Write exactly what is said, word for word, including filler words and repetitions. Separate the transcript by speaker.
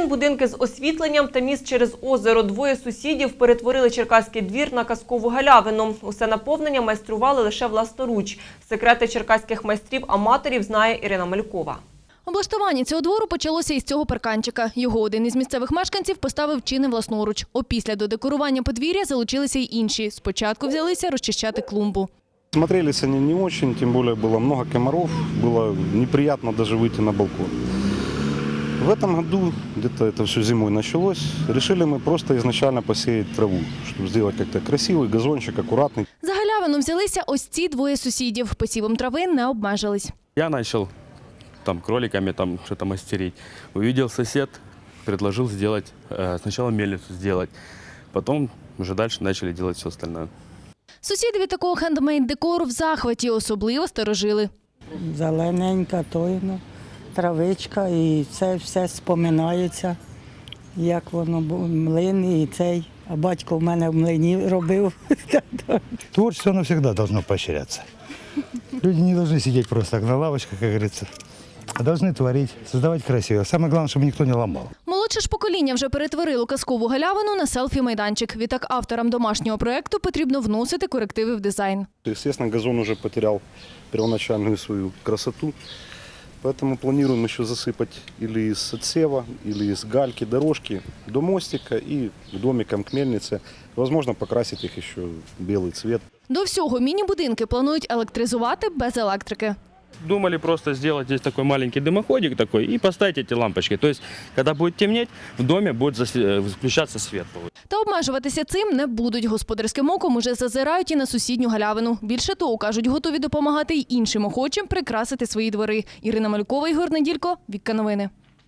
Speaker 1: травин, будинки з освітленням та міст через озеро. Двоє сусідів перетворили черкаський двір на казкову галявину. Усе наповнення майстрували лише власноруч. Секрети черкаських майстрів-аматорів знає Ірина Малькова.
Speaker 2: Облаштування цього двору почалося із цього парканчика. Його один із місцевих мешканців поставив чи не власноруч. Опісля до декорування подвір'я залучилися й інші. Спочатку взялися розчищати клумбу.
Speaker 3: Смотрелись они не очень, тем более было много комаров, было неприятно даже выйти на балкон. В этом году, где-то это все зимой началось, решили мы просто изначально посеять траву, чтобы сделать как-то красивый газончик, аккуратный.
Speaker 2: За галявину взялися ось ці двоє сусідів. Посівом трави не обмежились.
Speaker 4: Я начал там кроликами там что-то мастерить. Увидел сосед, предложил сделать, э, сначала мельницу сделать, потом уже дальше начали делать все остальное.
Speaker 2: Сусіди від такого хендмейд-декору в захваті, особливо старожили.
Speaker 5: Зелененька, тойно, травичка і це все споминається, як воно було, млин і цей. А батько в мене в млині робив.
Speaker 6: Творчество, оно всегда должно поощряться. Люди не должны сидеть просто так на лавочках, как говорится, а должны творить, создавать красиво. Самое главное, чтобы никто не ломал.
Speaker 2: Молодше ж покоління вже перетворило казкову галявину на селфі-майданчик. Відтак авторам домашнього проєкту потрібно вносити корективи в дизайн.
Speaker 3: Естественно, газон уже потерял первоначальную свою красоту, поэтому планируем еще засыпать или из отсева, или из гальки дорожки до мостика и к домикам, к мельнице. Возможно, покрасить их еще в белый цвет.
Speaker 2: До всього міні-будинки планують електризувати без електрики.
Speaker 4: Думали просто сделать здесь такой маленький дымоходик такой и поставить эти лампочки. То есть, когда будет темнеть, в доме будет включаться свет.
Speaker 2: Та обмежуватися цим не будуть. Господарським оком уже зазирають і на сусідню галявину. Більше того, кажуть, готові допомагати й іншим охочим прикрасити свої двори. Ірина Малькова, Ігор Неділько, Вікка Новини.